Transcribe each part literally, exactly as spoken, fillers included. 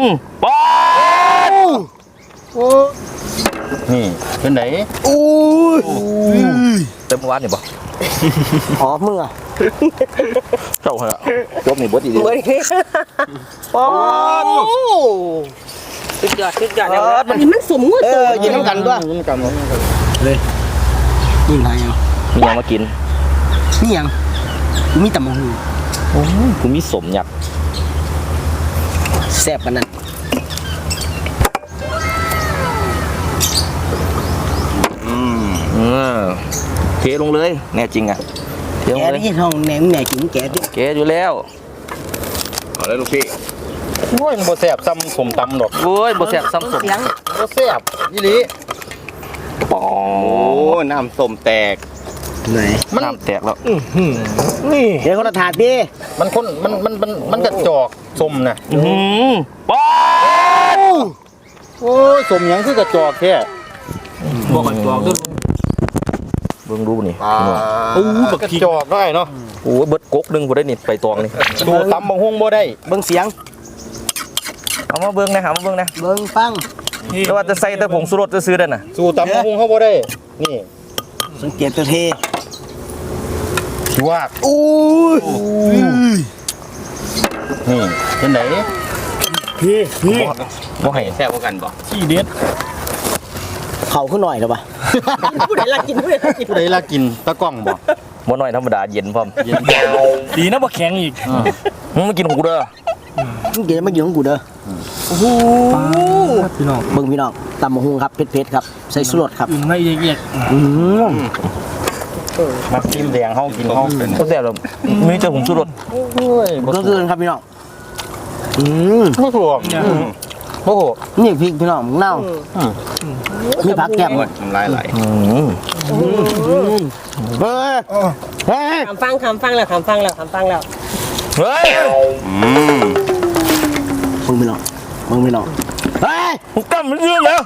อืมป๊าโอ้นี่เป็นไหนโอ้ยเต็มวันนี่บ่หอมมึงอ่ะเจ้าเหรอจบนี่บดอีเดียวโอ้ชุดยอดชุดยอดแล้วมันมันสมงเออยินน้ำกันด้วยยินน้ำกันเลยนี่ไงอ่ะมียังมากินนี่ยังมีตำมะฮูโอ้กูมีสมหยักแซ่บกันนั่นอืมอืมเทลงเลยแน่จริงอ่ะเทลงเลยแกที่ห้องแหนมแหนกินแกดิแกอยู่แล้วเอาเลยลูกพี่โอ้ยมันบ่แซ่บซ้ำผมตำดอกโอ้ยบ่แซ่บซ้ำสมบ่แซ่บยี่หลีปอโอ้น้ำส้มแตกไหนน้ำแตกแล้วนี่เดี๋ยวคนละถาดดิมันคนมันมันมันมันกระจอกส้มนะป๊าโอ้ยส้มยังคือกระจอกแค่บอกกระจอกด้วยเบิ่งดูนี่โอ้บักกระจอกได้เนาะโอ้เบิดกกนึงบ่ได้นี่ไปตองนี่ดูตำบังฮงบ่ได้เบิ่งเสียงเอามาเบิ่งนะหามาเบิ่งนะเบิ่งฟังแต่ว่าจะใส่แต่ผงชูรสจะซื้อได้น่ะสู่ตำบังฮงเฮาบ่ได้นี่สังเกตตัวเทชิวากอู้นี่เป็นไหนพี่พี่บ่ให้แซ่บกว่ากันบ่ที่เด็ดเผาขึ้นหน่อยหรอปะผู้ใดลากินผู้ใดลากินผู้ใดลากินตะกล้องบ่บ่น้อยธรรมดาเย็นพร้อมเย็นดีนะบ่แข็งอีกมึงมากินของกูเด้อมึงกินมากินของกูเด้อโอ้โหพี่น้องเบิ่งพี่น้องตำมะฮุงครับเผ็ดๆครับใส่ชูรสครับอึ่งไม่เอียดอืมมากินแดงเฮากินเฮาเป็นก็แซ่บแล้วมีแต่ผงชูรสโอ้ยก็คือครับพี่น้องอืมบ่ถูกโอ้โหนี่พริกพี่น้องเน่ามีผักแก้มหมดน้ำลายไหลเฮ้ยเฮ้ยคำฟังคำฟังแล้วคำฟังแล้วคำฟังแล้วเฮ้ยมึงไม่หรอกมึงไม่หรอกเฮ้ยมึงตั้มมันเรื่องแล้ว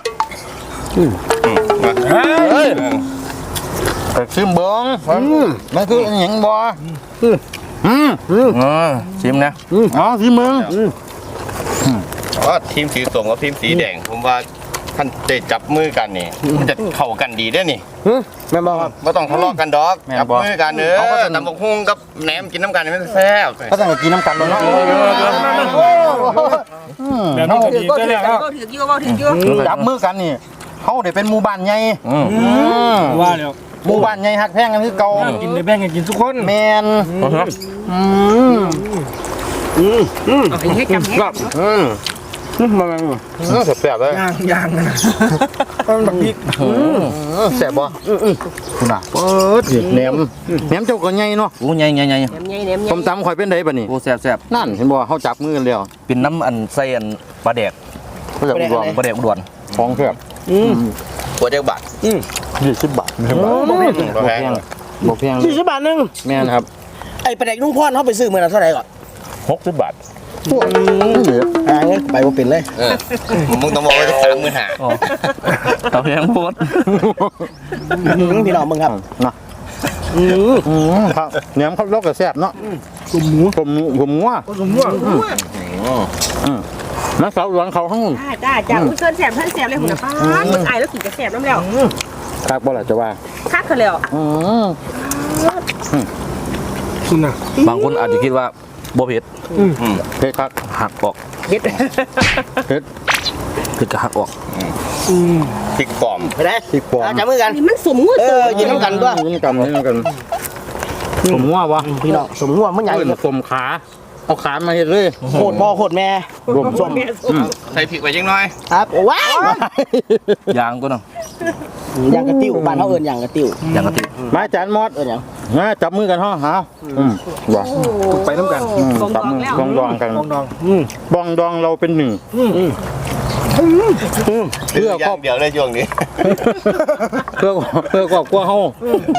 เฮ้ยแต่ชิมเบิ้งมันคือหยังบ่อืมอืมชิมนะอ๋อชิมเบิ้งว่าทีมสีส้มกับทีมสีแดงผมว่าท่านได้จับมือกันนี่มันจะเข้ากันดีได้นี่แม่บอกครับไม่ต้องทะเลาะกันดอกจับมือกันเนื้อน้ำบกหุ่งกับแหนมกินน้ำกันไม่แซ่บก็ต้องกินน้ำกันเลยเนาะแบบนี้ก็ดีได้แล้วก็ถือกิ้วก็ถือกิ้วจับมือกันนี่เขาได้เป็นหมู่บ้านใหญ่ว่าแล้วหมู่บ้านใหญ่หักแพงกันคือเก่ากินในแบ่งกันกินทุกคนแมนอืมอืมอืมเอาให้กำกับอืมมาแซ่บเลยย่างย่างนะมันแบบพริกแซ่บบ่คุณอ่ะเปิดแหนมแหนมเจ้าก็ใหญ่เนาะโอ้ใหญ่ใหญ่ใหญ่ต้มตำข่อยเป็นไดบ่นี่โอ้แซ่บแซ่บนั่นเห็นบ่เขาจับมือกันแล้วเป็นน้ำอันใส่อันปลาแดกปลาแดกอุดรปลาแดกอุดรของแซ่บหัวเจ้าบาทยี่สิบบาทบ่แพงบ่แพงบ่แพงยี่สิบบาทนึงแม่นครับไอ้ปลาแดกนุ่งพ่อนเขาไปซื้อมือละเท่าไหร่ก่อนหกสิบบาทอ่าเนี่ยไปว่าเป็นเลยมึงต้องบอกว่าสามหมื่นห้าเอาแพงโพดพี่น้องมึงครับนะเนื้อเขาลกกับแซ่บเนาะผมหมูผมผมงัวผมงัวนักสาวหลวงเขาข้างจ้าจ้าเกินแสบเพิ่นแสบเลยหุ่นป้ามึงไอแล้วกินกระแสบน้ำแล้วคักบ่ล่ะจะว่าคักเขาแล้วคุณน่ะบางคนอาจจะคิดว่าบ่เผ็ดเผ็ดคักหักออกเผ็ดเผ็ดเผ็ดก็หักออกพริกปลอมไปได้พริกปลอมจับมือกันมันสมงเออยินน้ำกันด้วยยินกันยินกันสมงัววะพี่น้องสมงัวมันใหญ่สมขาเอาขามาเห็ดเลยโหดพ่อโหดแม่รวมสมใส่พริกไปยังน้อยครับว้าวยางก็เนาะยางกระติ้วบ้านเขาเอิญยางกระติ้วยางกระติ้วมาจานมอดเอิญยังนะจับมือกันห่อหาว้าไปน้ำกันจับมือบองดองกันบองดองบองดองเราเป็นหนึ่งเพื่อครอบเดียวในช่วงนี้เพื่อเพื่อครอบครัวเฮา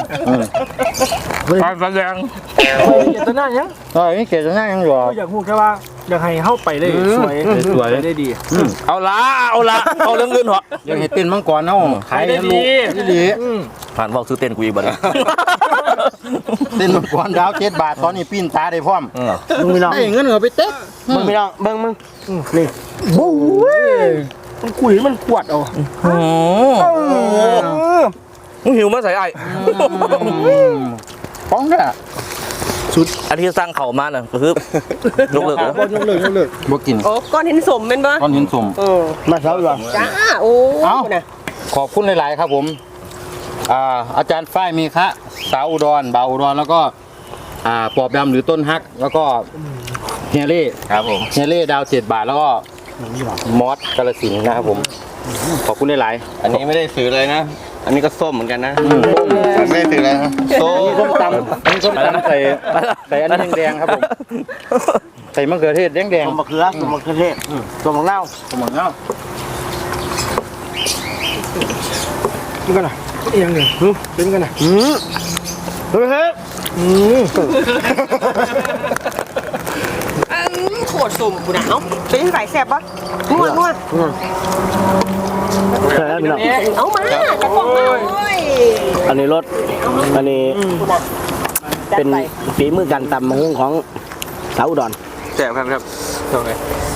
การแสดงเจตนายังเออนี่เจตนายังอยู่อยากพูดแค่ว่าอยากให้เข้าไปได้สวยสวยได้ดีเอาละเอาละเอาเรื่องเงินเหรออยากเห็นเต้นมังกรเนาะขายได้ดีดีผ่านบอกซื้อเต้นกูอีกบ้างเต้นมังกรดาวเจ็ดบาทตอนนี้ปิ้นตาได้พร้อมมึงไม่ลองได้เงินเหรอไปเต๊ะมึงไม่ลองเบิ้งมึงนี่โอ้ยมันกุยมันปวดเอามึงหิวมาใส่ไอ้ป้องเนี่ยชุดอันที่สร้างเขามาน่ะก็คือยกเลิกเหรอบอลยกเลิกยกเลิกบ่กินโอ้ก้อนเห็นสมเป็นปะตอนเห็นสมเออมาเช้าดีกว่าจ้าโอ้เอ้านะขอบคุณหลาย ๆ ครับผมอ่าอาจารย์ฝ้ายมีคะสาวอุดรเบาอุดรแล้วก็อ่าปอบดำหรือต้นฮัก แล้วก็เฮียเล่ครับผมเฮียเล่ดาวเจ็ดบาทแล้วก็มอสกาลสินธุ์นะครับผมขอบคุณหลายอันนี้ไม่ได้ซื้อเลยนะ อันนี้ก็ส้มเหมือนกันนะๆอืมส้มไม่ได้ซื้อเลยนะส้มส้มตำอันนี้ส้มตำใส่ใส่อันนี้แดงๆครับผมใส่มะเขือเทศแดงต้มมะเขือต้มมะเขือเทศต้มมะนาวๆผมบอกแล้วเป็นกันนะเอียงเนี่ยเป็นกันนะอืมเฮ้ยเฮ้ยอืมโคตรสมกูนะเอ้าเป็นไงแสบปะนัวนัวใช่แล้วพี่น้องเอามาจะกล่องมาโอ้ยอันนี้รสอันนี้เป็นฝีมือการตำมะฮุ่งของสาวอุดรแซ่บครับครับโอเค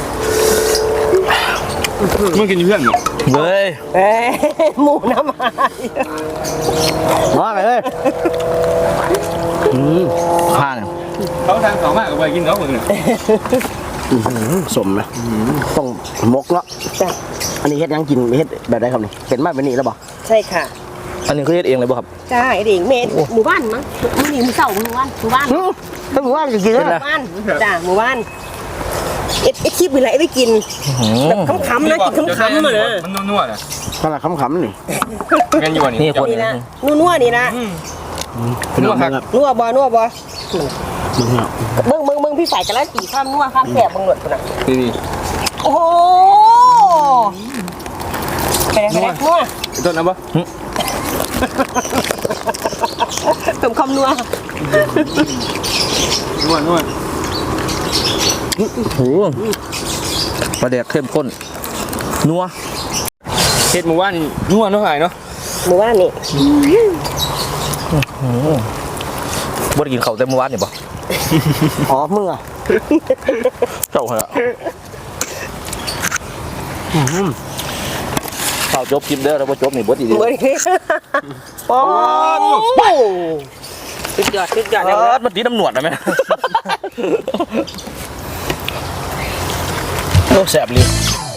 มึงกินเพื่อนเหรอเฮ้ยเอ้ยหมูน้ำมันมาไปเลยอืมผ้าเนี่ยเขาทางสองมากกับไปกินเขาคนนึงอื้อหือสมนะต้องมกเนาะอันนี้เฮ็ดยังกินเฮ็ดแบบไหนครับนี่เห็นมาเป็นนี่แล้วบ่ใช่ค่ะอันนี้เขาเฮ็ดเองเลยป่ะครับใช่เด็กเมดหมู่บ้านมั้งหมู่นี่หมู่เสาหมู่บ้านหมู่บ้านถ้าบอกว่าจะกินหแล้วมู่บ้านจ้าหมู่บ้านเอ็ดเอ็ดคลิปเป็นไรไม่กินแบบขำๆนะกินขำๆอ่ะนะมันนัวๆนะขนาดขำๆนี่เงินอยู่อันนี่นี้คนนี่นะนัวๆนี่นะพี่น้องครับนัวบ่นัวบ่มึงเนาะเบิ่งเบิ่งเบิ่งพี่ฝ่ายกันแล้วตีข้ามนัวข้ามแสบเบิ่งหนวดคนน่ะดีโอ้โหไปไหนไปไหนนัวต้นนะปะเติมคำนัวนวดนวดโอ้โหปลาแดกเข้มข้นนัวเฮ็ดหมู่บ้านนวดเนาะหายเนาะหมู่บ้านนี่บ่ได้กินข้าวแต่เมื่อวานนี่ป่ะอ๋อมึงอ่ะเจ้าเหรอข้าวจบคลิปเด้อแล้วบ่จบนี่บ่ดีดีเบิ่งนี่โอ้โหสุดยอดสุดยอดเอเลยอมันตีน้ำหนวดนะแม่ โอ้แสบเลย